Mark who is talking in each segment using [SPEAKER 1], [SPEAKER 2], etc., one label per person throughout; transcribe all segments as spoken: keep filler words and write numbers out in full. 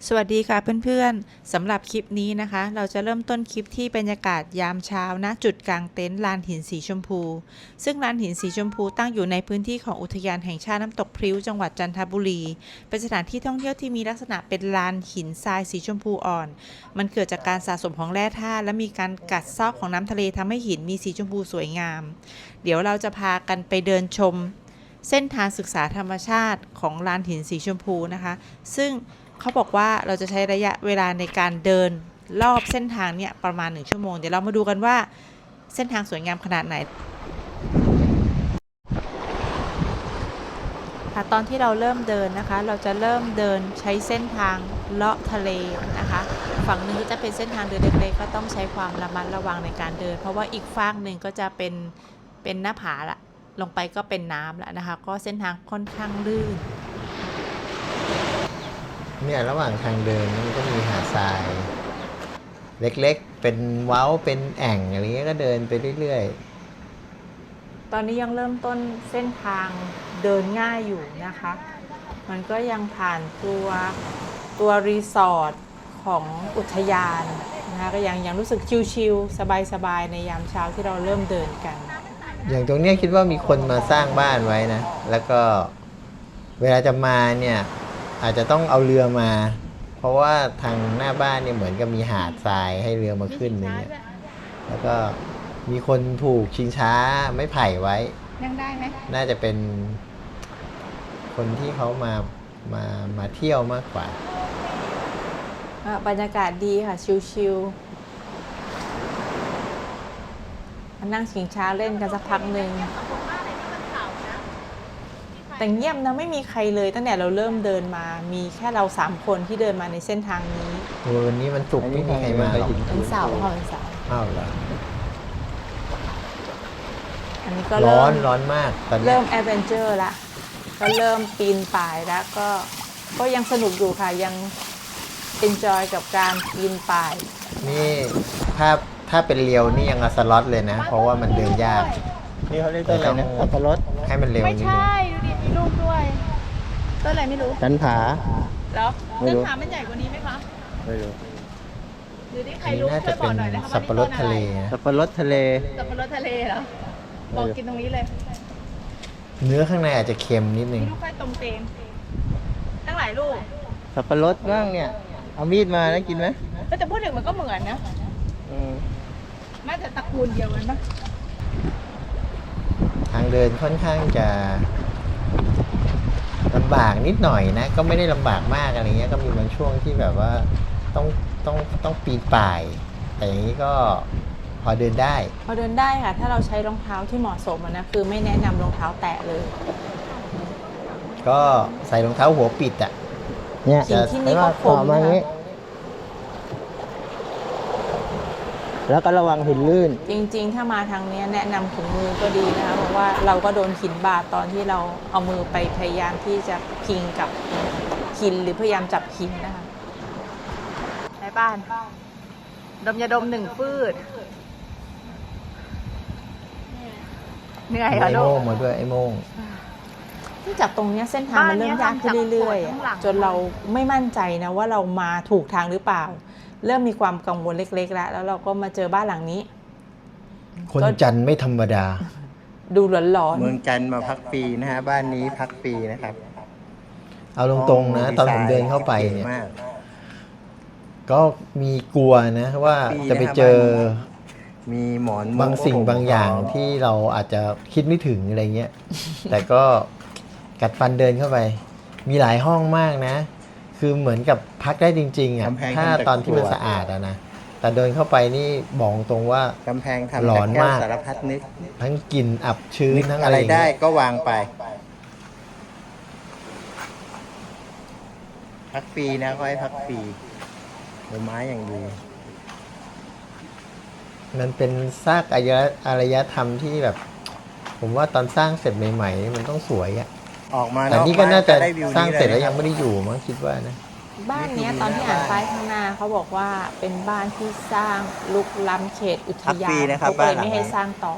[SPEAKER 1] สวัสดีค่ะเพื่อนๆสำหรับคลิปนี้นะคะเราจะเริ่มต้นคลิปที่บรรยากาศยามเช้าณจุดกลางเต็นท์ลานหินสีชมพูซึ่งลานหินสีชมพูตั้งอยู่ในพื้นที่ของอุทยานแห่งชาติน้ำตกพริ้วจังหวัดจันทบุรีเป็นสถานที่ท่องเที่ยวที่มีลักษณะเป็นลานหินทรายสีชมพูอ่อนมันเกิดจากการสะสมของแร่ธาตุและมีการกัดเซาะของน้ำทะเลทำให้หินมีสีชมพูสวยงามเดี๋ยวเราจะพากันไปเดินชมเส้นทางศึกษาธรรมชาติของลานหินสีชมพูนะคะซึ่งเขาบอกว่าเราจะใช้ระยะเวลาในการเดินรอบเส้นทางเนี่ยประมาณหนึ่งชั่วโมงเดี๋ยวเรามาดูกันว่าเส้นทางสวยงามขนาดไหนค่ะตอนที่เราเริ่มเดินนะคะเราจะเริ่มเดินใช้เส้นทางเลาะทะเลนะคะฝั่งหนึ่งก็จะเป็นเส้นทางเดินเล็กๆก็ต้องใช้ความระมัดระวังในการเดินเพราะว่าอีกฝั่งหนึ่งก็จะเป็นเป็นหน้าผาละลงไปก็เป็นน้ำแล้วนะคะก็เส้นทางค่อนข้างลื่น
[SPEAKER 2] เนี่ยระหว่างทางเดินมันก็มีหาดทรายเล็กๆเป็นเว้าเป็นแอ่งอะไรเงี้ยก็เดินไปเรื่อย
[SPEAKER 1] ๆตอนนี้ยังเริ่มต้นเส้นทางเดินง่ายอยู่นะคะมันก็ยังผ่านตัวตัวรีสอร์ทของอุทยานนะคะก็ยังยังรู้สึกชิลๆสบายๆในยามเช้าที่เราเริ่มเดินกัน
[SPEAKER 2] อย่างตรงเนี้ยคิดว่ามีคนมาสร้างบ้านไว้นะแล้วก็เวลาจะมาเนี่ยอาจจะต้องเอาเรือมาเพราะว่าทางหน้าบ้านเนี่ยเหมือนกับมีหาดทรายให้เรือมาขึ้นอย่างเงี้ยแล้วก็มีคนผูกชิงช้าไม้ไผ่ไว้
[SPEAKER 1] นั่งได้ไหม
[SPEAKER 2] น่าจะเป็นคนที่เขามามามาเที่ยวมากกว่า
[SPEAKER 1] บรรยากาศดีค่ะชิลๆมานั่งชิงช้าเล่นกันสักพักหนึ่งแต่เงียบนะไม่มีใครเลยตั้งแต่เราเริ่มเดินมามีแค่เราสามคนที่เดินมาในเส้นทางนี้
[SPEAKER 2] วันนี้มันสุกไม่มีใครมาหรอก
[SPEAKER 1] เป็นเสาร์ค่ะเป็นเสาร์
[SPEAKER 2] อ้าวเหรอ
[SPEAKER 1] อันนี้ก็
[SPEAKER 2] ร้อนร้อนมากตอนนี้
[SPEAKER 1] เริ่มแอดเวนเจอร์ละก็เริ่มปีนป่ายแล้วก็ก็ยังสนุกอยู่ค่ะยังเอนจอยกับการปีนป่าย
[SPEAKER 2] นี่ถ้าถ้าเป็นเรียวนี่ยังเอาสล็อตเลยนะเพราะว่ามันเดินยาก
[SPEAKER 3] นี่เขาเรียกต้นอะไรนะสับปะรด
[SPEAKER 2] ให้มันเร็วนิดนึง
[SPEAKER 1] ไม่ใช่ดูดิมีลูกด้วยต้นอะไรไม่รู้
[SPEAKER 3] จันผา
[SPEAKER 1] แล้วต้นผามันใหญ่กว่านี้ไหมคะ
[SPEAKER 3] ไม่รู้
[SPEAKER 1] หรือที่ใครรู้ช่วยบอกหน่อยนะคะ
[SPEAKER 2] สับปะรดทะเล
[SPEAKER 3] สับปะรดทะเล
[SPEAKER 1] สับปะรดทะเลเหรอบอกกินตรงนี้เลย
[SPEAKER 2] เนื้อข้างในอาจจะเค็มนิดนึง
[SPEAKER 1] ลูกไข่ตรงเตงตั้งหลายลูก
[SPEAKER 3] สับปะรดบ้างเนี่ยเอามีดมาแล้วกินไหม
[SPEAKER 1] ก็จะพูดถึงมันก็เหมือนนะน่าจะตระกูลเดียวกันปะ
[SPEAKER 2] ทางเดินค่อนข้างจะลำบากนิดหน่อยนะก็ไม่ได้ลำบากมากอะไรเงี้ยก็มีบางช่วงที่แบบว่าต้องต้องต้องปีนป่ายแต่อย่างนี้ก็พอเดินได้
[SPEAKER 1] พอเดินได้ค่ะถ้าเราใช้รองเท้าที่เหมาะสมนะคือไม่แนะนำรองเท้าแตะเลย
[SPEAKER 2] ก็ใส่รองเท้าหัวปิดอ่ะ
[SPEAKER 1] เนี่ยที่นี่ก็คมนะ
[SPEAKER 3] แล้วก็ระวังหินลื่น
[SPEAKER 1] จริงๆถ้ามาทางนี้แนะนำถุงมือก็ดีนะคะเพราะว่าเราก็โดนหินบาดตอนที่เราเอามือไปพยายามที่จะพิงกับหินหรือพยายามจับหินนะคะในบ้านดมยาดมหนึ่งฟืดเหนื่อยเหรอลูก
[SPEAKER 2] ไอ้โม่งมาด้วยไอ้โม่ง
[SPEAKER 1] ที่จากตรงนี้เส้นทางมันเริ่มยากขึ้นเรื่อยๆจนเราไม่มั่นใจนะว่าเรามาถูกทางหรือเปล่าเริ่มมีความกังวลเล็กๆแล้วแล้วเราก็มาเจอบ้านหลังนี้
[SPEAKER 2] คนจันไม่ธรรมดา
[SPEAKER 1] ดูหลอน
[SPEAKER 3] ๆเมืองจันมาพักฟรีนะฮะบ้านนี้พักฟรีนะครับ
[SPEAKER 2] เอาตรงๆนะตอนผมเดินเข้าไปเนี่ยก็มีกลัวนะว่าจะไปเจอ
[SPEAKER 3] มีหมอน
[SPEAKER 2] บางสิ่งบางอย่างที่เราอาจจะคิดไม่ถึงอะไรเงี้ยแต่ก็กัดฟันเดินเข้าไปมีหลายห้องมากนะคือเหมือนกับพักได้จริงๆอ่ะถ้าตอนที่มันสะอาดอะนะแต่เดินเข้าไปนี่บอกตรงว่าก
[SPEAKER 3] ำแพงทำหลอนมากสารพัดนึก
[SPEAKER 2] ทั้งกลิ่นอับชื้นทั้ง
[SPEAKER 3] อะไรได้ก็วางไปพักฟรีนะก็ให้พักฟรีดอกไม้อย่างดี
[SPEAKER 2] มันเป็นซากอารยอารยธรรมที่แบบผมว่าตอนสร้างเสร็จใหม่ๆมันต้องสวยอ่ะ
[SPEAKER 3] ออกมา
[SPEAKER 2] แต่นี่ก็น่าจะสร้างเสร็จแล้วยังไม่ได้อยู่มั้งคิดว่านะ
[SPEAKER 1] บ้านนี้ตอนที่อ่านป้ายข้างหน้าเขาบอกว่าเป็นบ้านที่สร้างลุกล้ำเขตอุทยานเขาเลยไม่ให้สร้างต่อ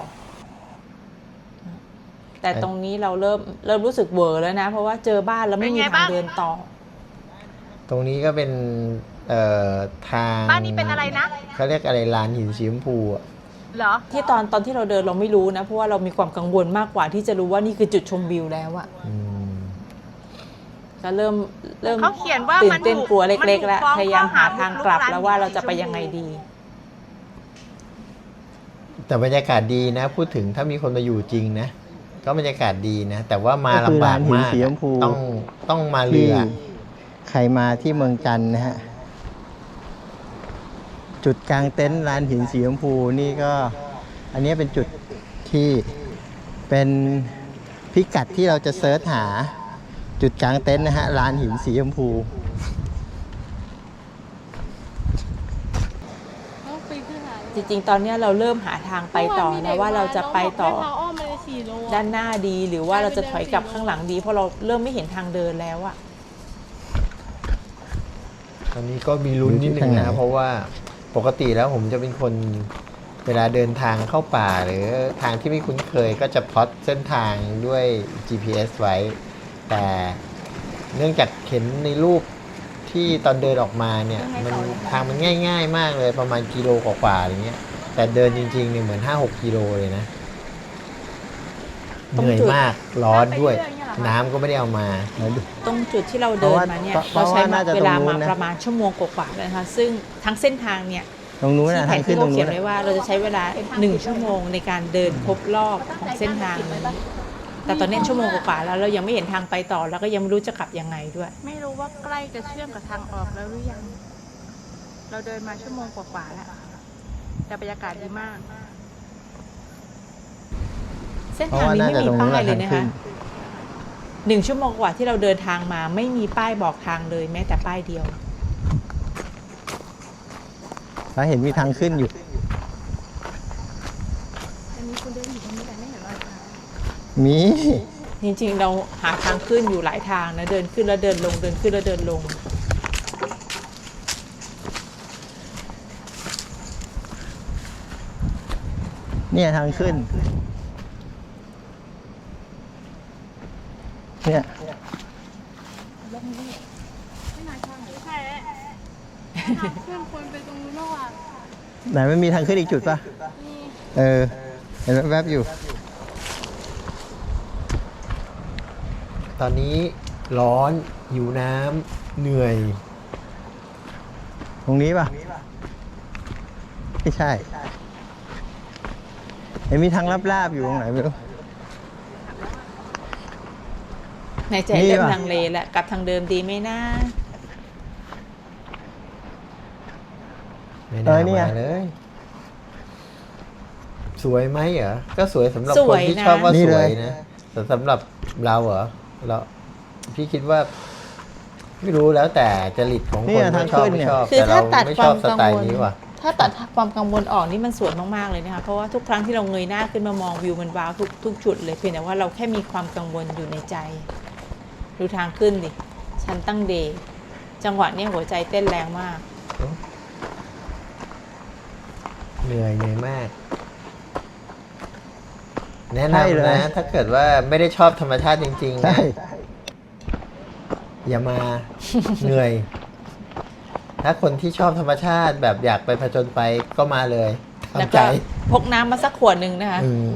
[SPEAKER 1] แต่ตรงนี้เราเริ่มเริ่มรู้สึกเวอร์แล้วนะเพราะว่าเจอบ้านแล้วไม่มีทางเดินต่อ
[SPEAKER 2] ตรงนี้ก็เป็นเอ่อทาง
[SPEAKER 4] บ้านนี้เป็นอะไรนะ
[SPEAKER 2] เขาเรียกอะไรลานหินสีชมพูอะ
[SPEAKER 4] เหรอ
[SPEAKER 1] ที่ตอนตอนที่เราเดินเราไม่รู้นะเพราะว่าเรามีความกังวลมากกว่าที่จะรู้ว่านี่คือจุดชมวิวแล้วอะ
[SPEAKER 2] อืม
[SPEAKER 1] ก็เริ่มเริ่ม
[SPEAKER 4] เขาเขียนว่า
[SPEAKER 1] ตื่
[SPEAKER 4] มัน น
[SPEAKER 1] เต้น
[SPEAKER 4] ถูก
[SPEAKER 1] กลัวเล็กๆ แล้ว
[SPEAKER 4] มันถูกฟ้อง
[SPEAKER 1] พยายามหา
[SPEAKER 4] ข้อหา
[SPEAKER 1] ทางกลับ
[SPEAKER 4] บุกรุก
[SPEAKER 1] แล้วว่า
[SPEAKER 4] ร้าน
[SPEAKER 1] เราจะไป
[SPEAKER 4] สีชมพู
[SPEAKER 1] ยังไงดี
[SPEAKER 2] แต่บรรยากาศดีนะ พูดถึงถ้ามีคนมาอยู่จริงนะ ก็บรรยากาศดีนะ แต่ว่ามา
[SPEAKER 3] ก็คือ
[SPEAKER 2] ลำบาก
[SPEAKER 3] ลานหิน
[SPEAKER 2] มาก
[SPEAKER 3] สีชมพู
[SPEAKER 2] ต้องต้องมาเรื
[SPEAKER 3] ที่
[SPEAKER 2] อ
[SPEAKER 3] ใครมาที่เมืองจันทร์นะฮะ จุดกลางเต็นท์ลานหินสีชมพูนี่ก็ อันนี้เป็นจุดที่เป็นพิกัดที่เราจะเซิร์ชหา จุดกลางเต็นท์นะฮะลานหินสีชมพู
[SPEAKER 1] จริงๆ ตอนเนี้ยเราเริ่มหาทางไปต่อนะว่าเราจะไปต่อ
[SPEAKER 5] ทางอ้อมมาเลยสี่โลอะ
[SPEAKER 1] ด้านหน้าดีหรือว่าเราจะถอยกลับข้างหลังดี เพราะเราเริ่มไม่เห็นทางเดินแล้วอะ
[SPEAKER 2] ตอนนี้ก็มีลุ้นนิดนึง
[SPEAKER 3] อยู่ที่ทางไห
[SPEAKER 2] นะ
[SPEAKER 3] น
[SPEAKER 2] เพราะว่าปกติแล้วผมจะเป็นคนเวลาเดินทางเข้าป่า หรือทางที่ไม่คุ้นเคยก็จะพล็อตเส้นทางด้วย จี พี เอส ไว้ แต่เนื่องจากเห็นในรูปที่ตอนเดินออกมาเนี่ยมันทางมันง่าย ๆ มากเลยประมาณกิโลกว่าๆอะไรเงี้ย แต่เดินจริงๆเนี่ยเหมือน ห้าหก กิโลเลยนะ เหนื่อยมากร้อนด้วย น้ำก็ไม่ได้เอามา
[SPEAKER 1] ตรงจุดที่เราเดินมาเนี่ย
[SPEAKER 3] เพ
[SPEAKER 1] เรา
[SPEAKER 3] ราะว่า
[SPEAKER 1] ใช้
[SPEAKER 3] น่าจะ
[SPEAKER 1] เวลา
[SPEAKER 3] ตรงนู้
[SPEAKER 1] มาน
[SPEAKER 3] นะ
[SPEAKER 1] ประมาณชั่วโมงกว่าๆเลยนะคะซึ่งทั้งเส้นทางเนี่ย
[SPEAKER 3] ตรงนู้น
[SPEAKER 1] ที่
[SPEAKER 3] นะ
[SPEAKER 1] แผ
[SPEAKER 3] ทาน งขึ้
[SPEAKER 1] ที่
[SPEAKER 3] นตร
[SPEAKER 1] เขา
[SPEAKER 3] ง
[SPEAKER 1] เขี
[SPEAKER 3] นู้
[SPEAKER 1] ย
[SPEAKER 3] น
[SPEAKER 1] น
[SPEAKER 3] นะ
[SPEAKER 1] ไว้ว่าเราจะใช้เวลาหนึ่งชั่วโมงในการเดินครบรอบของเส้นทางนี้แต่ตอนนี้ชั่วโมงกว่าๆแล้วเรายังไม่เห็นทางไปต่อแล้วก็ยังไม่รู้จะกลับยังไงด้วย
[SPEAKER 4] ไม่รู้ว่าใกล้จะเชื่อมกับทางออกแล้วหรือยัง เราเดินมาชั่วโมงกว่าๆแล้ว แต่บรรยากาศดีมาก
[SPEAKER 1] เส้น
[SPEAKER 3] เพราะ
[SPEAKER 1] ทาง
[SPEAKER 3] ว่า
[SPEAKER 1] นี้
[SPEAKER 3] น่า
[SPEAKER 1] ไม่
[SPEAKER 3] จะ
[SPEAKER 1] มี
[SPEAKER 3] ตรงนู้
[SPEAKER 1] ป้าน ย
[SPEAKER 3] แหละ
[SPEAKER 1] เล
[SPEAKER 3] ทาย ง
[SPEAKER 1] นะ
[SPEAKER 3] ขึ้
[SPEAKER 1] คะ
[SPEAKER 3] น
[SPEAKER 1] หนึ่งชั่วโมงกว่าที่เราเดินทางมาไม่มีป้ายบอกทางเลยแม้แต่ป้ายเดียว
[SPEAKER 3] แล้วเห็นมีทางขึ้นอยู่
[SPEAKER 4] อันนี้คุณเดินอยู่ตรงนี้แต่ไม่เห็นรอยเท้า
[SPEAKER 3] มี
[SPEAKER 1] จริงๆเราหาทางขึ้นอยู่หลายทางนะเดินขึ้นแล้วเดินลงเดินขึ้นแล้วเดินลง
[SPEAKER 3] เนี่ยทางขึ้น เนี่ย
[SPEAKER 5] ใช่ทางขึ้นควรไปตรงนู้นมากกว่า
[SPEAKER 3] ไหนมันมีทางขึ้นอีกจุดป่ะ
[SPEAKER 5] นี่
[SPEAKER 3] เออ เห็นแวบๆอยู่
[SPEAKER 2] ตอนนี้ร้อนหิวน้ำเหนื่อย
[SPEAKER 3] ตรงนี้ป่ะ ไม่ใช่ เห็นมีทางลาบๆอยู่ตรงไหนไม่รู้
[SPEAKER 1] ในใจ
[SPEAKER 3] นี่
[SPEAKER 1] เริ่ม
[SPEAKER 3] ว่ะ
[SPEAKER 1] ลังเลแล้วกลับทางเดิมดีไหมนะ
[SPEAKER 2] ไม่
[SPEAKER 3] เอ
[SPEAKER 2] น่า
[SPEAKER 3] อเนี่ย
[SPEAKER 2] มาเลย สวยไหมเหรอ ก็สวยสำหรับ
[SPEAKER 1] ส
[SPEAKER 2] ค
[SPEAKER 1] วน ย
[SPEAKER 2] ที่
[SPEAKER 1] นะ
[SPEAKER 2] ชอบว่า
[SPEAKER 3] นี่
[SPEAKER 2] ส
[SPEAKER 3] เล
[SPEAKER 2] วย
[SPEAKER 3] ย
[SPEAKER 2] นะ แต่สำหรับเราเหรอเราพี่คิดว่า ไม่รู้แล้วแต่จริตของ
[SPEAKER 3] เนี่
[SPEAKER 2] คน
[SPEAKER 3] ย
[SPEAKER 2] ไม่ชอบ
[SPEAKER 3] ทางขึ้น
[SPEAKER 2] ไม่
[SPEAKER 3] เนี่ย
[SPEAKER 2] ชอบ
[SPEAKER 1] คือ
[SPEAKER 2] แต่
[SPEAKER 1] ถ้า
[SPEAKER 2] เรา
[SPEAKER 1] ตัด
[SPEAKER 2] ไม่
[SPEAKER 1] ค
[SPEAKER 2] ชอ
[SPEAKER 1] วา
[SPEAKER 2] บ
[SPEAKER 1] ม
[SPEAKER 2] ส
[SPEAKER 1] กัง
[SPEAKER 2] ไต
[SPEAKER 1] ว
[SPEAKER 2] ล์
[SPEAKER 1] ล
[SPEAKER 2] นี้ว่ะ
[SPEAKER 1] ถ้าตัดความกังวลออกนี่มันสวยมากๆเลยนะคะเพราะว่าทุกครั้งที่เราเงยหน้าขึ้นมามองวิวมันว้าวทุกทุกจุดเลยเพียงแต่ว่าเราแค่มีความกังวลอยู่ในใจ ดูทางขึ้นดิชั้นตั้งเดย์จังหวะเนี้ยหัวใจเต้นแรงมาก
[SPEAKER 2] เหนื่อยเหนื่อยมาก แนะ
[SPEAKER 3] ใช่เลย
[SPEAKER 2] นำนะ ถ้าเกิดว่าไม่ได้ชอบธรรมชาติจริงๆ
[SPEAKER 3] ใช่
[SPEAKER 2] นะอย่ามา เหนื่อย ถ้าคนที่ชอบธรรมชาติแบบอยากไปผจญไปก็มาเลย
[SPEAKER 1] แล้ว
[SPEAKER 2] ทำใจ
[SPEAKER 1] ก็พกน้ำมาสักขวดหนึ่งนะคะ
[SPEAKER 2] อืม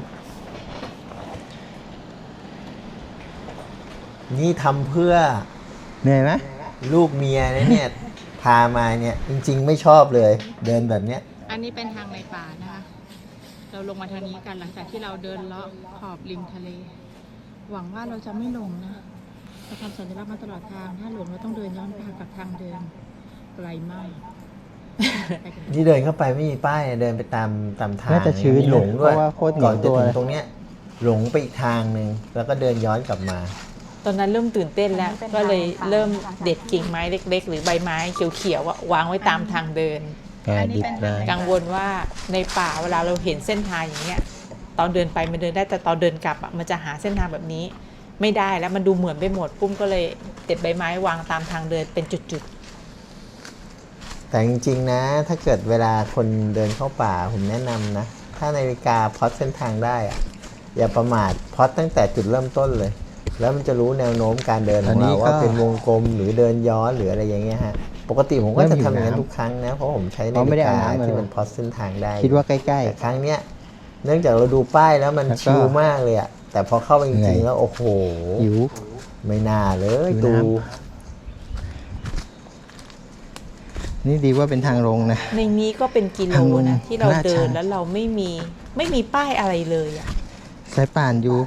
[SPEAKER 2] นี่ทำเพื่อ
[SPEAKER 3] เหนื่อยไหม
[SPEAKER 2] ลูกเมียนะเนี่ย พามาเนี่ย จริง ๆ ไม่ชอบเลย เดินแบบเนี้ย
[SPEAKER 4] อันนี้เป็นทางในป่านะคะ เราลงมาทางนี้กันหลังจากที่เราเดินเลาะขอบริมทะเล หวังว่าเราจะไม่หลงนะเราทำสัญลักษณ์มาตลอดทาง ถ้าหลงเราต้องเดินย้อนไปกับทางเดิมไกลมากไปกัน
[SPEAKER 2] นี่เดินเข้าไปไม่มีป้ายเดินไปตามตามทาง
[SPEAKER 3] น่าจะชื้น
[SPEAKER 2] มีหลงด้วย
[SPEAKER 3] เพราะว่าโคตรเหนี
[SPEAKER 2] ก่
[SPEAKER 3] ย
[SPEAKER 2] อ
[SPEAKER 3] วน
[SPEAKER 2] จะ
[SPEAKER 3] ตัว
[SPEAKER 2] ถึ
[SPEAKER 3] เล
[SPEAKER 2] ง
[SPEAKER 3] ย
[SPEAKER 2] ตรงเนี้ย หลงไปอีกทางหนึ่งแล้วก็เดินย้อนกลับมา
[SPEAKER 1] ตอนนั้นเริ่มตื่นเต้นแล้ว ก็เลยเริ่มเด็ดกิ่งไม้เล็ก ๆ หรือใบไม้เขียวๆอะวางไว้ตามทางเดิน
[SPEAKER 3] แกดิบเลย
[SPEAKER 1] กังวลว่าในป่าเวลาเราเห็นเส้นทางอย่างเงี้ยตอนเดินไปมันเดินได้แต่ตอนเดินกลับอ่ะมันจะหาเส้นทางแบบนี้ ไม่ได้แล้วมันดูเหมือนไปหมดปุ้มก็เลยเด็ดใบไม้วางตามทางเดินเป็นจุด
[SPEAKER 2] แต่จริงๆนะ ถ้าเกิดเวลาคนเดินเข้าป่าผมแนะนำนะ ถ้านาฬิกาพล็อตเส้นทางได้อะอย่าประมาทพล็อตตั้งแต่จุดเริ่มต้นเลยแล้วมันจะรู้แนวโน้มการเดินของ
[SPEAKER 3] อันนี้
[SPEAKER 2] เรา
[SPEAKER 3] ก็
[SPEAKER 2] ว่าเป็นวงกลมหรือเดินย้อนหรืออะไรอย่างเงี้ยฮะปกติผมก็
[SPEAKER 3] เริ่
[SPEAKER 2] จะ
[SPEAKER 3] มหิว
[SPEAKER 2] ทำอย่างนั้น
[SPEAKER 3] น้ำ
[SPEAKER 2] ทุกครั้งนะเพราะผมใช้
[SPEAKER 3] เพ
[SPEAKER 2] นา
[SPEAKER 3] ราะไม่
[SPEAKER 2] ฬิ
[SPEAKER 3] ได้
[SPEAKER 2] กา
[SPEAKER 3] อาบน้ำมา
[SPEAKER 2] ที่
[SPEAKER 3] เลย
[SPEAKER 2] มันพอเส้นทางได้
[SPEAKER 3] คิดว่าใกล้
[SPEAKER 2] แต่ครั้งเนี้ยเนื่องจากเราดูป้ายแล้วมัน
[SPEAKER 3] แล้วก็
[SPEAKER 2] ชิลมากเลยอะแต่พอเข้าไปจ
[SPEAKER 3] เหนื่
[SPEAKER 2] ริ
[SPEAKER 3] อย
[SPEAKER 2] งๆแล้วโอ้โห
[SPEAKER 3] ๆหิว
[SPEAKER 2] ไม่น่าเลย
[SPEAKER 3] หิว
[SPEAKER 2] ตู
[SPEAKER 3] น้ำ นี่ดีว่าเป็นทางลงนะ
[SPEAKER 1] ในนี้ก็เป็นกิโล
[SPEAKER 3] ทางลง
[SPEAKER 1] นะที่เรา
[SPEAKER 3] ลาด
[SPEAKER 1] เดิ
[SPEAKER 3] ชั
[SPEAKER 1] น
[SPEAKER 3] น
[SPEAKER 1] แล้วเราไม่มีไม่มีป้ายอะไรเลยอะ
[SPEAKER 3] สายป่านอยู่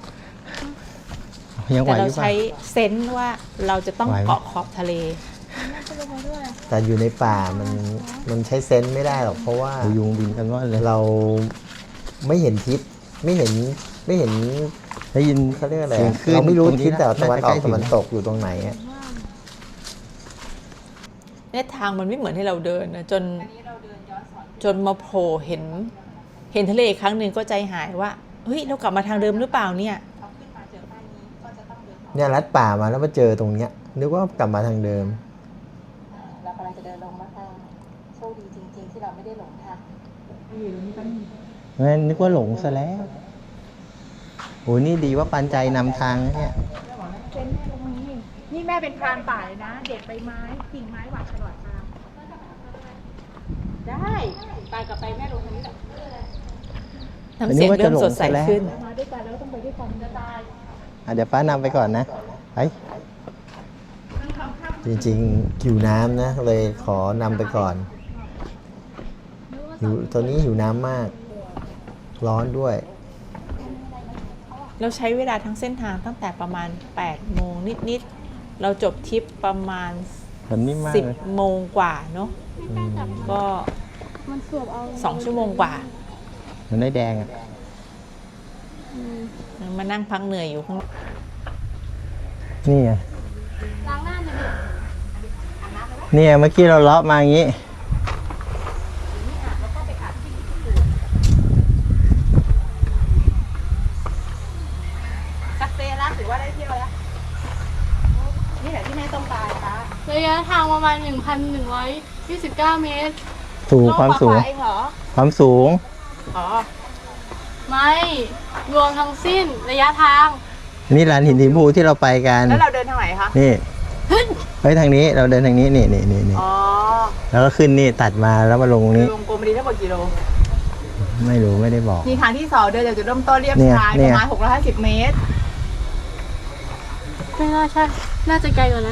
[SPEAKER 3] ยังไหว
[SPEAKER 1] แต่
[SPEAKER 3] อ
[SPEAKER 1] เรา
[SPEAKER 3] ยู่ป่ะ
[SPEAKER 1] ใช้เซนส์ว่าเราจะต้อง
[SPEAKER 3] ไหวไหม
[SPEAKER 1] เกาะขอบทะเล
[SPEAKER 2] แต่อยู่ในป่ามันมันใช้เซนส์ไม่ได้หรอกเพราะว่า
[SPEAKER 3] โอ้ยุงบินกันว่าเลย
[SPEAKER 2] เราไม่เห็นทิศไม่เห็นไม่เห็น
[SPEAKER 3] ได้ยิน
[SPEAKER 2] เขาเรียกอะไร
[SPEAKER 3] เสียง
[SPEAKER 2] อะ
[SPEAKER 3] คลื่น
[SPEAKER 2] เราไม่รู้
[SPEAKER 3] ตรงนี้
[SPEAKER 2] ทิศแต่
[SPEAKER 3] น่า
[SPEAKER 2] ตะวัน
[SPEAKER 3] จะ
[SPEAKER 2] อ
[SPEAKER 3] ใก
[SPEAKER 2] อ
[SPEAKER 3] ล้
[SPEAKER 2] ก
[SPEAKER 3] ถึง
[SPEAKER 2] ตะวันตกอยู่ตรงไหนอะ
[SPEAKER 1] เนี่ยทางมันไม่เหมือนให้เราเดินนะจนจนมาโผล่เห็น เห็นทะเลอีกครั้งหนึ่งก็ใจหายว่าเฮ้ยเรากลับมาทางเดิมหรือเปล่าเนี่ย
[SPEAKER 2] เนี่ยลัดป่ามาแล้วมาเจอตรงเนี้ยนึกว่ากลับมาทางเดิม
[SPEAKER 4] เรากำลังจะเดินลงมาทางโชคดีจริงๆที่เราไม่ได้หลงทาง
[SPEAKER 3] งั้นนึกว่าหลงซะแล้ว โอ้นี่ดีว่าปันใจนำทางนะเนี่ย
[SPEAKER 4] เป็นแม่ลงมานี่นี่แม่เป็นพรานป่าเลยนะ เด็ดใบไม้กิ่งไม้หวานตลอดทางได้ตายกับไปแม่ลงทางนี้แหละ
[SPEAKER 1] น้ำเสียงเริ่มสดใสขึ้น
[SPEAKER 4] มาด้วยกันแล้วต้องไปด้วยกันจะตาย
[SPEAKER 3] อ่ะเดี๋ยวป้านำไปก่อนนะไป
[SPEAKER 2] จริงๆหิวน้ำนะเลยขอนำไปก่อนหิวตอนนี้หิวน้ำมาก ร้อนด้วย
[SPEAKER 1] เราใช้เวลาทั้งเส้นทางตั้งแต่ประมาณแปดโมงนิดๆเราจบทริปประมาณ
[SPEAKER 3] แบบนี้มาก
[SPEAKER 1] สิบ
[SPEAKER 3] เลย
[SPEAKER 1] โมงกว่าเนาะก็
[SPEAKER 5] มันสวบเอา
[SPEAKER 1] สองชั่วโมงกว่า
[SPEAKER 3] เหมันได้แดงอ่ะ
[SPEAKER 1] มานั่งพักเหนื่อยอยู่ข้าง
[SPEAKER 3] นี่ไง
[SPEAKER 5] ล้างหน้าหน่อยดิ
[SPEAKER 3] เนี่ยเมื่อกี้เราเลาะมาอย่างนี้
[SPEAKER 4] สักเซแล้วถือว่าได้เที่ยวแล้ว นี่แหละที่แม่ต้องการค่ะ
[SPEAKER 5] ระยะทางประมาณ หนึ่งพันหนึ่งร้อยยี่สิบเก้า เมตร
[SPEAKER 3] สูงความสูง
[SPEAKER 4] เองเหรอ
[SPEAKER 3] ความสูง
[SPEAKER 4] อ๋อ
[SPEAKER 5] ไม่ รวมทั้งสิ้นระยะทาง
[SPEAKER 3] นี่ลานหินสีชมพูที่เราไปกัน
[SPEAKER 4] แล้วเราเดินทางไหนคะ
[SPEAKER 3] นี่ไปทางนี้เราเดินทางนี้นี่นี่นี่นี่
[SPEAKER 4] อ๋อ
[SPEAKER 3] แล้วก็ขึ้นนี่ตัดมาแล้วมาลงตรงนี้
[SPEAKER 4] วงกลมดีทั้งหมดกี่โล
[SPEAKER 3] ไม่รู้ไม่ได้บอก
[SPEAKER 4] นี่ทางที่สองเดินจากจุดเริ่มต้นเรียบ
[SPEAKER 3] เนี่ย
[SPEAKER 4] ชาย
[SPEAKER 3] เนี่
[SPEAKER 4] ป
[SPEAKER 3] ย
[SPEAKER 4] ระมาณหกร้อยห้าสิบเมตร
[SPEAKER 5] ไม่น่าใช่ น่าจะไกลกว่านั้น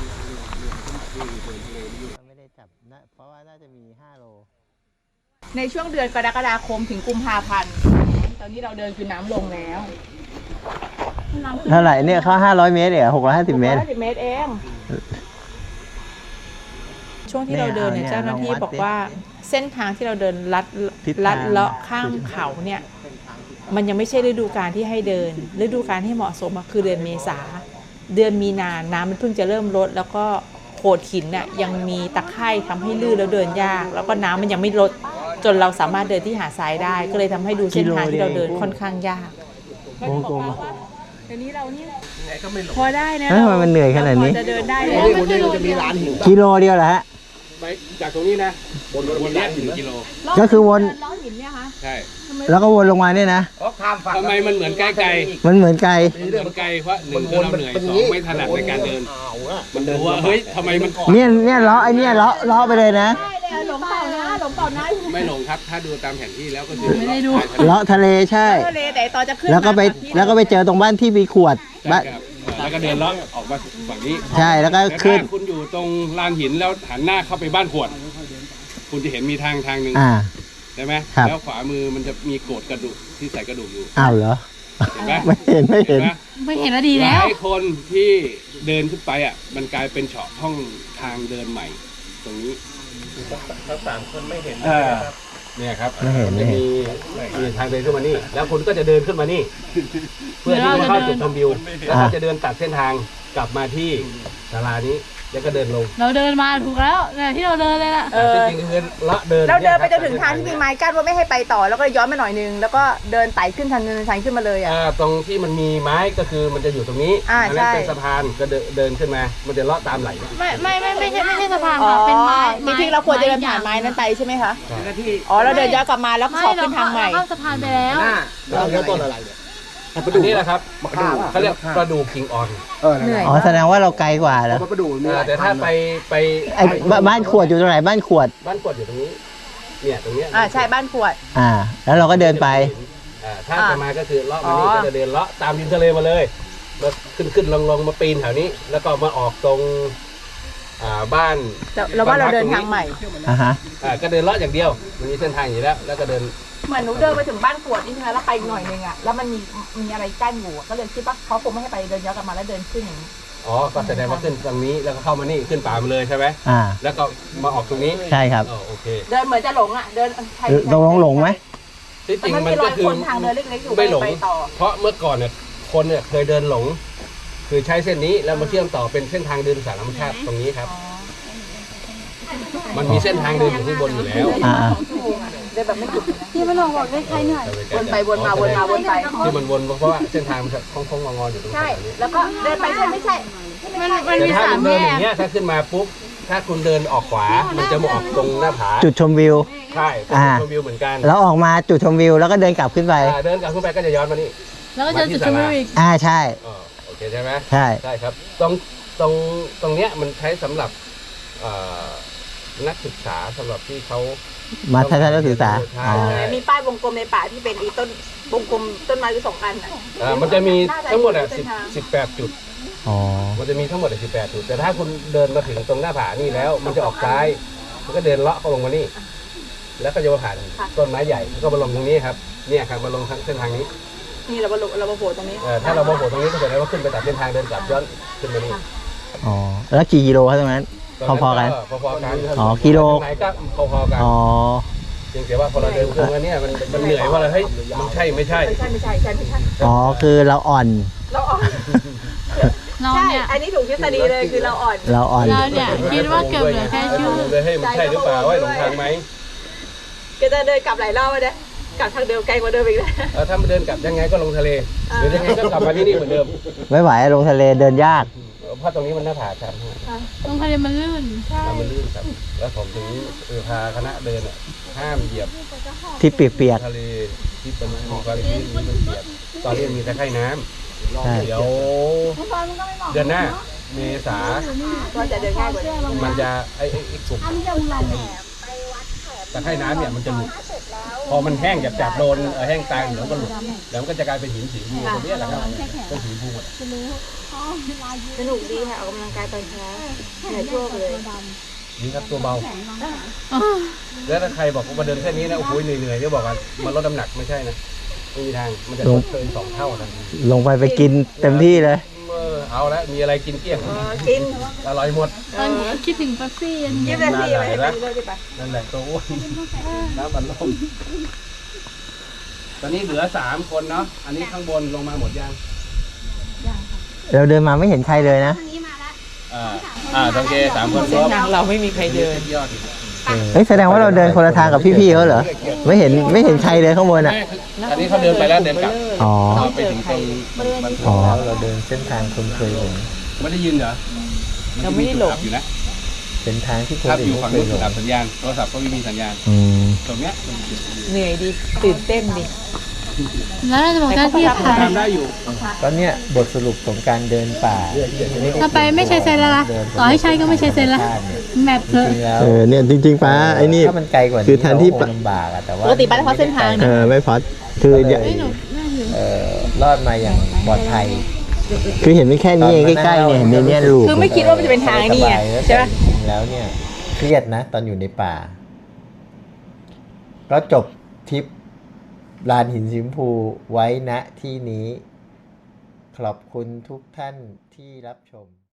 [SPEAKER 3] ไม่ได้จับนะเพราะว่าน่าจะมีห้าโล
[SPEAKER 4] ในช่วงเดือนกรกฎาคมถึงกุมภาพันธ์ ตอนนี้เราเดินคือน้ำลงแล้ว
[SPEAKER 3] เท่าไหร่เนี่ยเขาห้าร้อยเมตรเหรอหกร้อยห้าสิบเมตร
[SPEAKER 4] หกร้อยห้าสิบเมตรเอง
[SPEAKER 1] ช่วงที่เราเดินเนี่ย
[SPEAKER 3] เนี่ย
[SPEAKER 1] เจ้าหน้าที่
[SPEAKER 3] ลองวัด
[SPEAKER 1] บอกว่าเส้นทางที่เราเดินลัด
[SPEAKER 3] ทิศทาง
[SPEAKER 1] ลัดเลาะข้ามเขาเนี่ยมันยังไม่ใช่ฤดูกาลที่ให้เดิน ฤดูกาลที่เหมาะสมอะคือเดือนเมษาเดือนมีนาน้ำมันเพิ่งจะเริ่มลดแล้วก็โขดหินน่ะยังมีตะไคร่ทำให้ลื่นแล้วเดินยาก แล้วก็น้ำมันยังไม่ลดจนเราสามารถเดินที่หาดทรายได้ ก็เลยทำให้ดูเส้นทางที่เราเดินค่อนข้างยาก
[SPEAKER 3] วงกลม
[SPEAKER 4] เดี๋ยวนี้เรานี่พอได้นะ
[SPEAKER 3] เอ้ยทำไมมันเหนื่อยขนาดนี้
[SPEAKER 4] เรพอจะเดินได้แล้ว
[SPEAKER 6] วันนี้มันจะมีร้านหิน
[SPEAKER 3] กิโลเดียวเหรอฮะ
[SPEAKER 6] ไปจากตรงนี้นะบนบนเนี้ยถึงกิโล
[SPEAKER 3] ก็คือวน
[SPEAKER 4] ล้อหินเนี่ยคะ
[SPEAKER 6] ใช่
[SPEAKER 3] แล้วก็วนลงมาเนี่ยนะ
[SPEAKER 6] ทำไมมันเหมือนใกล้ไกล
[SPEAKER 3] มันเหมือนไกล
[SPEAKER 6] มันไกลเพราะหนึ่งคือเราเหนื่อยสองไม่ถนัดในการเดิน มันดูว่าเฮ้ยทำไมมัน
[SPEAKER 3] เนี่ยเนี่ยเลาะไอเนี่ยเลาะเลาะไปเลยนะ
[SPEAKER 4] ได้เลยหลงเปล่านะหลงเปล่านะ
[SPEAKER 6] ไม่หลงครับ ถ้าดูตามแผนที่แล้วก็คือ
[SPEAKER 4] ไม่ได้ดู
[SPEAKER 3] เลาะทะเลใช่
[SPEAKER 4] ทะเลแต่ตอนจะขึ้น
[SPEAKER 3] แล้วก็ไป
[SPEAKER 4] มาที่
[SPEAKER 3] แล้วก็ไปเจอตรงบ้านที่มีขวด
[SPEAKER 6] ใช่
[SPEAKER 3] บ้าน
[SPEAKER 6] ครับแล้วก็เดินเลาะออกมาฝั่งนี้
[SPEAKER 3] ใช่แล้วก็
[SPEAKER 6] แต่
[SPEAKER 3] ขึ้น
[SPEAKER 6] ถ้าคุณอยู่ตรงลานหินแล้วหันหน้าเข้าไปบ้านขวด คุณจะเห็นมีทางทางหนึ่ง
[SPEAKER 3] อ่า
[SPEAKER 6] ใช่ไหม
[SPEAKER 3] ครับ
[SPEAKER 6] แล้วขวามือมันจะมีโกรธกระดูกที่ใส่กระดูกอยู่
[SPEAKER 3] อ้าวเหรอ
[SPEAKER 6] เห็นไหม
[SPEAKER 3] ไม่เห็นไม่เห็น
[SPEAKER 6] ไหม
[SPEAKER 5] ไม่เห็นแล้วดี
[SPEAKER 6] ห
[SPEAKER 5] แล้
[SPEAKER 6] ลาว ยคนที่เดินขึ้นไปอ่ะ มันกลายเป็นเฉาะห้องทางเดินใหม่ ตรงนี้ทั้งสามคนไม่เห็นเนี่ยครับ
[SPEAKER 3] ไม่เห็น
[SPEAKER 6] จะ
[SPEAKER 3] ไม่เห็น
[SPEAKER 6] มีมีทางเดินขึ้นมานี่ แล้วคุณก็จะเดินขึ้นมานี่ เพื่อที่จะเข้าจุดชมวิว แล้วก็จะเดินตัดเส้นทางกลับมาที่ศาลานี้ แล้วก็เดินลง
[SPEAKER 5] เราเดินมาถูกแล้วเนี่ยที่เราเดินเลยล่ะ
[SPEAKER 4] เออ
[SPEAKER 6] จริงๆคือเลาะเดิน
[SPEAKER 4] เราเดินไปจน
[SPEAKER 6] ย
[SPEAKER 4] ถึงทางที่มีไม้กั้นว่าไม่ให้ไปต่อ แล้วก็ย้อนมาหน่อยนึง แล้วก็เดินไต่ขึ้นทางเนินชันขึ้นมาเลยอ่ะ
[SPEAKER 6] อ่าตรงที่มันมีไม้ก็คือมันจะอยู่ตรงนี้
[SPEAKER 4] อ่า
[SPEAKER 6] นั้นเป็น
[SPEAKER 4] ใช่
[SPEAKER 6] สะพานก็เดินเดินขึ้นมา มันจะเลาะตามไหลนะ
[SPEAKER 5] ไม่ไม่ไม่ไม่ใช่ไม่ใช่สะพาน
[SPEAKER 4] อ๋อ
[SPEAKER 5] ค่ะเป็นไม้
[SPEAKER 4] จริงๆเราควรจะเดินผ่านไม้นั้นไปใช่ไหมคะ อ๋อ เราเดินย้อนกลับมาแล้ว
[SPEAKER 5] ไม่
[SPEAKER 4] ขอ
[SPEAKER 5] เรา
[SPEAKER 4] ขึ้นทางใหม่
[SPEAKER 5] ข้ามสะพานไปแล้ว
[SPEAKER 6] เราเริ่มต้นอะไรเนี่ยอันนี้แหละครับเขาเรียกปลาดูคิงออน
[SPEAKER 7] เออนั่นแหละ
[SPEAKER 3] อ๋อแสดงว่าเราไกลกว่าแล้ว
[SPEAKER 7] เพราะประดูมีหลาย
[SPEAKER 6] แต่ถ้าไปไป
[SPEAKER 3] ไอ้บบ้านขวดอยู่ตรงไหนบ้านขวด
[SPEAKER 6] บ้านกวดอยู่ตรงนี้ เนี่ยตรงเนี้ย
[SPEAKER 4] อ่าใช่บ้านขวด
[SPEAKER 3] อ่า แล้วเราก็เดินไป
[SPEAKER 6] อ่าถ้าจะมาก็คือเลาะมานี่ก็จะเดินเลาะตามริมทะเลมาเลยมาขึ้นขึ้นลงลงมาปีนแถวนี้ แล้วก็มาออกตรงอ่าบ้าน
[SPEAKER 4] แต่เราว่าเราเดินทางใหม่
[SPEAKER 3] อ่าฮะ
[SPEAKER 6] อ่าก็เดินเลาะอย่างเดียวมันมีเส้นทางอยู่แล้ว แล้วก็เดิน
[SPEAKER 4] เหมือนหนูเดินไปถึงบ้านขวดนี่ใช่ไหมแล้วไปอีกหน่อยนึงอ่ะแล้วมันมีมีอะไรกั้นอยู่อะก็เลยคิดว่าเขาคงไม่ให้ไปเดินย้อนกลับมาแล้วเดินขึ้นอย่างนี้
[SPEAKER 6] อ๋อก็แสดงว่าขึ้นตรงนี้แล้วก็เข้ามานี่ขึ้นป่ามาเลยใช่ไหม
[SPEAKER 3] อ่า
[SPEAKER 6] แล้วก็มาออกตรงนี้
[SPEAKER 3] ใช่ครับ
[SPEAKER 6] อ๋อโอเค
[SPEAKER 4] เดินเหมือนจะหลงอ่ะเดินใคร
[SPEAKER 3] ตรงลงหลงไหม
[SPEAKER 6] ที่จริง
[SPEAKER 4] มัน
[SPEAKER 6] มั
[SPEAKER 4] มี
[SPEAKER 6] น
[SPEAKER 4] ร
[SPEAKER 6] ก็
[SPEAKER 4] อย
[SPEAKER 6] คือ
[SPEAKER 4] คนทางเดินเล็กๆอยู่
[SPEAKER 6] ไม่หลง
[SPEAKER 4] ไปต่อ
[SPEAKER 6] เพราะเมื่อก่อนเนี่ยคนเนี่ยเคยเดินหลง คือใช้เส้นนี้แล้วมาเชื่อมต่อเป็นเส้นทางเดินสายธรรมชาติตรงนี้ครับ มันมีเส้นทางเดินอยู่ข้างบนอยู่แล้ว
[SPEAKER 3] อ่า
[SPEAKER 4] เดินแบบไม่หยุดเลยนะ
[SPEAKER 5] พี่มาลองบอกได้ใครหน่อย
[SPEAKER 4] วนไปวนมาวนมาวนไป
[SPEAKER 6] ที่มันวนเพราะว่าเส้นทางมันจะโค้งๆงอๆอยู่ตรง
[SPEAKER 4] ใช่
[SPEAKER 6] นี้
[SPEAKER 4] แล้วก็เดินไปใช่ไม่ใช่
[SPEAKER 5] มันมัน
[SPEAKER 6] แต่
[SPEAKER 5] มี
[SPEAKER 6] ถ้า
[SPEAKER 5] สา
[SPEAKER 6] คุ
[SPEAKER 5] ม
[SPEAKER 6] ณเดิ
[SPEAKER 5] แย
[SPEAKER 6] นอก ย่างเงี้ยถ้าขึ้นมาปุ๊บถ้าคุณเดินออกขวา มันจะมาออกตรงหน้าผา
[SPEAKER 3] จุดชมวิว
[SPEAKER 6] ใช่เป็น
[SPEAKER 3] อ่า
[SPEAKER 6] จุดชมวิวเหมือนกัน
[SPEAKER 3] แล้วออกมาจุดชมวิวแล้วก็เดินกลับขึ้นไป
[SPEAKER 6] อ่าเดินกลับขึ้นไปก็จะย้อนมานี่
[SPEAKER 5] แล้วก็เจอจุดชมวิวอีก
[SPEAKER 3] อ่าใช่
[SPEAKER 6] อ๋อโอเคใช่ไหม
[SPEAKER 3] ใช่
[SPEAKER 6] ใช่ครับ ตรงตรงตรงเนี้ยมันใช้สำหรับเอ่อนักศึกษาสำหรับที่เขา
[SPEAKER 3] มาทัศนศึกษา
[SPEAKER 6] ใช่
[SPEAKER 3] อ๋อ
[SPEAKER 6] ใช่
[SPEAKER 4] มีป้ายวงกลมในป่าที่เป็นอีต้นวงกลมต้นไม้อยู่สองอันอ่ะ
[SPEAKER 6] อ่ามันจะมีทั้งหมดอ่ะสิบสิบแปดจุด
[SPEAKER 3] อ๋อ
[SPEAKER 6] มันจะมีทั้งหมดสิบแปดจุด แต่ถ้าคุณเดินมาถึงตรงหน้าผานี่แล้ว มันจะออกซ้าย มันก็เดินเลาะเข้าลงมานี่ แล้วก็จะมาผ่านต้นไม้ใหญ่แล้วก็มาลงตรงนี้ครับ เนี่ยครับมาลงทางเส้นทางนี้
[SPEAKER 4] นี่เราบรรลุเราบรรลุตรงนี้
[SPEAKER 6] เอ่อถ้าเรามาโผล่ตรงนี้ก็แสดงว่าขึ้นไปตัดเส้นทางเดินกลับย้อนขึ้นมานี่
[SPEAKER 3] อ๋อ แล้วกี่กิโลครับตรงนั้น พอๆกัน
[SPEAKER 6] พอๆกัน
[SPEAKER 3] อ๋อกิโล
[SPEAKER 6] ไหนก็พอๆกัน
[SPEAKER 3] อ๋อ
[SPEAKER 6] เพียงแต่ว่าพอเราเดินเครื่องแล้วเนี่ยมันมันเหนื่อยว่าเราเฮ้ยมันใช่ไม่ใช่
[SPEAKER 4] ไม่ใช่ไม่ใช่ใช่ไม่ใช่
[SPEAKER 3] อ๋อ คือเราอ่อน
[SPEAKER 4] เราอ่อน
[SPEAKER 5] เรา
[SPEAKER 4] ใช่
[SPEAKER 5] เนี่ย
[SPEAKER 4] อันนี้ถูกทฤษฎีเลยคือเราอ่อน
[SPEAKER 3] เราอ่อน
[SPEAKER 5] เราเนี่ยคิดว่าเกือบเหลือแค่ชื่อ
[SPEAKER 6] เลยเฮ้ยมันใช่หรือเปล่าว่าหลงทางไหม
[SPEAKER 4] ก็จะเดินกลับหลายรอบเลยนะกลับทางเดิมไกลกว่าเดิมอีกนะ
[SPEAKER 6] เออถ้ามันเดินกลับยังไงก็ลงทะเลหรือยังไงก็กลับมาที่นี่เหมือนเดิม
[SPEAKER 3] ไม่ไหวลงทะเลเดินยาก
[SPEAKER 6] เพราะตรงนี้มันหน้าผาชัน
[SPEAKER 5] ตรงทะเลมันลื่น
[SPEAKER 6] แล้วมันลื่นครับ แล้วผมถึงเออพาคณะเดินอ่ะห้ามเหยียบ
[SPEAKER 3] ที่เปียก
[SPEAKER 6] ทะเลที่เป็นมีความชื้นมีมันเปียกตอนนี้มีตะไคร่น้
[SPEAKER 3] ๆใช่
[SPEAKER 6] ำเดี๋ยวเดือนหน้าเมษา
[SPEAKER 4] ก็จะเดินง่ายกว่านี้
[SPEAKER 6] มันจะไอ้ไอ้ไอ้กลุ่มตะไคร่น้ำเนี่ยมันจะหลุดพอมันแห้งจับจับโดนเอ่อแห้งตายเดี๋ยวมันก็หลุดแล้วมันก็จะกลายเป็นหินสีฟูตรงนี้แหละครับเป็นสีฟูหมด
[SPEAKER 4] สนุกดีค่ะออกกำลังกายตอนเช้าเหนื่อยชั่วเลย
[SPEAKER 6] นี่ครับตัวเบา แล้วถ้าใครบอกว่ามาเดินแค่นี้นะโอ้โหเหนื่อยๆเนี่ยบอกว่ามันลดน้ำหนักไม่ใช่นะไม่มีทางมันจะลดเกินสองเท่าทันที
[SPEAKER 3] ลงไปไปกินเต็มที่เลย
[SPEAKER 6] เออเอาละมีอะไรกินเกลี้ยง
[SPEAKER 4] เออกิน
[SPEAKER 6] อร่อยหมด
[SPEAKER 5] ตอนนี้คิดถึงเป๊ปซี่อัน
[SPEAKER 4] กิ
[SPEAKER 5] นี้
[SPEAKER 4] นเลยสิไปให้ไปเลยดิไป
[SPEAKER 6] นั่นแหละตัวอ้วนน้ำบันลมตอนนี้เหลือสามคนเนาะอันนี้ข้างบนลงมาหมดยัง
[SPEAKER 3] เราเดินมาไม่เห็นใครเลยนะ
[SPEAKER 6] อ่าอ่าโอเคสามคนค
[SPEAKER 1] เส้
[SPEAKER 6] ร
[SPEAKER 1] น
[SPEAKER 6] บ
[SPEAKER 1] ทางเราไม่มีใครเดิน
[SPEAKER 6] ยอด
[SPEAKER 3] เฮ้ยแสดงว่าเราเดินคนละทางกับพี่ๆเขาเหรอ ไม่เห็นไม่เห็นใครเลยข้างบนอ่ะ
[SPEAKER 6] อันนี้เขาเดินไปแล้วเดินกลับ
[SPEAKER 3] อ๋อ
[SPEAKER 6] ไปถึงตรงมันมัน
[SPEAKER 3] อ๋อ
[SPEAKER 2] แล้วเราเดินเส้นทางคนเคยหลง
[SPEAKER 6] ไม่ได้ยินเหรอ
[SPEAKER 1] เราไม่ได้หลง
[SPEAKER 6] อยู่นะ
[SPEAKER 2] เป็นทางที่คน
[SPEAKER 6] ถ้า
[SPEAKER 2] อื่
[SPEAKER 6] อน ยู่
[SPEAKER 2] ไม่
[SPEAKER 6] ฝั่ง
[SPEAKER 2] เค
[SPEAKER 6] นู้
[SPEAKER 2] ย
[SPEAKER 6] น
[SPEAKER 2] หลง
[SPEAKER 6] ดับสัญญาณโทรศัพท์ก็ไม่มีสัญญาณ
[SPEAKER 3] อืม
[SPEAKER 6] ตรงเนี้ย
[SPEAKER 1] เหนื่อยดี ตื่นเต้นดี
[SPEAKER 5] แล้วเราจะบอกหน้าที่ใคร
[SPEAKER 6] ทำได้อยู่
[SPEAKER 2] ก็เนี่ยบทสรุปของการเดินป่า
[SPEAKER 5] ถ้าไปไม่ใช้เซนแล้วล่ะต่อให้ใช้ก็ไม่ใช้เซนละแมป
[SPEAKER 2] จ
[SPEAKER 5] เถอะ
[SPEAKER 2] ริงๆแล้ว
[SPEAKER 3] เออเนี่ยจริงๆป้าไอ้นี่
[SPEAKER 2] ถ้ามันไกลกว่านี้
[SPEAKER 3] คือแทนที่
[SPEAKER 2] เราก็คงลำบากอะแต่ว่า
[SPEAKER 4] ปกติไปเฉพาะเส้นทาง
[SPEAKER 3] เออไม่พอดคือเดี๋ยว
[SPEAKER 5] เฮ้ยหนูน่าอยู่
[SPEAKER 2] เอ่อรอดมาอย่างปลอดภัย
[SPEAKER 3] คือเห็นไม่แค่นี้เองใกล้ๆเนี่ยเห็นในเนี้ยลูก
[SPEAKER 4] คือไม่คิดว่ามันจะเป็นทางนี่ไงใช่ไหม
[SPEAKER 2] จริงๆแล้วเนี่ยเครียดนะ ตอนอยู่ในป่า ก็จบทริปลานหินสีชมพูไว้ณที่นี้ ขอบคุณทุกท่านที่รับชม